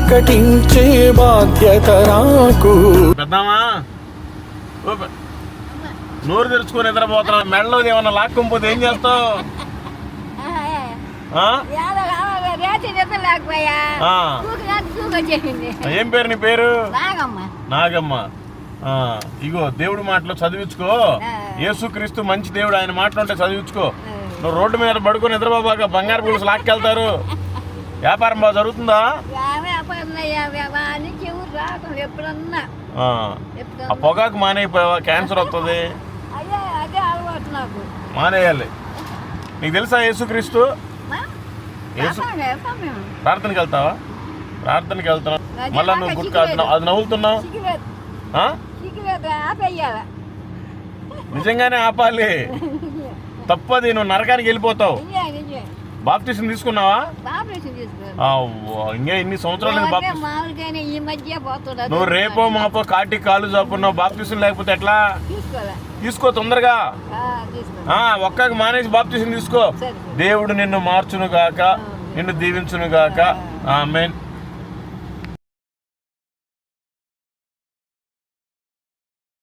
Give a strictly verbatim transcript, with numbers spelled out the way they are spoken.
ప్రకటించే బాధ్యత నాకు. పెద్దామా నోరు తెరుచుకొని నిద్రపోతున్నా, మెడలో ఏమన్నా లాక్కపోతే ఏం చేస్తావు? ఏం పేరు నీ పేరు? నాగమ్మ. ఇగో దేవుడి మాటలు చదివించుకో. యేసుక్రీస్తు మంచి దేవుడు, ఆయన మాటలు ఉంటే చదివించుకో. నువ్వు రోడ్డు మీద పడుకొని నిద్రపోబాక, బంగారు పులుసు లాక్కెళ్తారు. వ్యాపారం బాగా జరుగుతుందా? ఆ పొగాకు మానేయిపోయావా? క్యాన్సర్ వస్తుంది, మానేయాలి. నీకు తెలుసా యేసుక్రీస్తు? యేసు ప్రార్థనకి వెళ్తావా? ప్రార్థనకి వెళ్తున్నావు, మళ్ళా నువ్వు గుర్తు కాదుతున్నావు, అది నవ్వులుతున్నావు. నిజంగానే ఆపాలి, తప్పది. నువ్వు నరకానికి వెళ్ళిపోతావు. బాప్టిజం తీసుకున్నావా? ఇంకా ఇన్ని సంవత్సరాలు నువ్వు రేపో మాపో కాటి కాలు చాపున్నావు. బాప్టిజం లేకపోతే ఎట్లా? తీసుకో తొందరగా. ఒక్కకి మానేసి బాప్టిజం తీసుకో. దేవుడు నిన్ను మార్చును గాక, నిన్ను దీవించును గాక. ఆమేన్.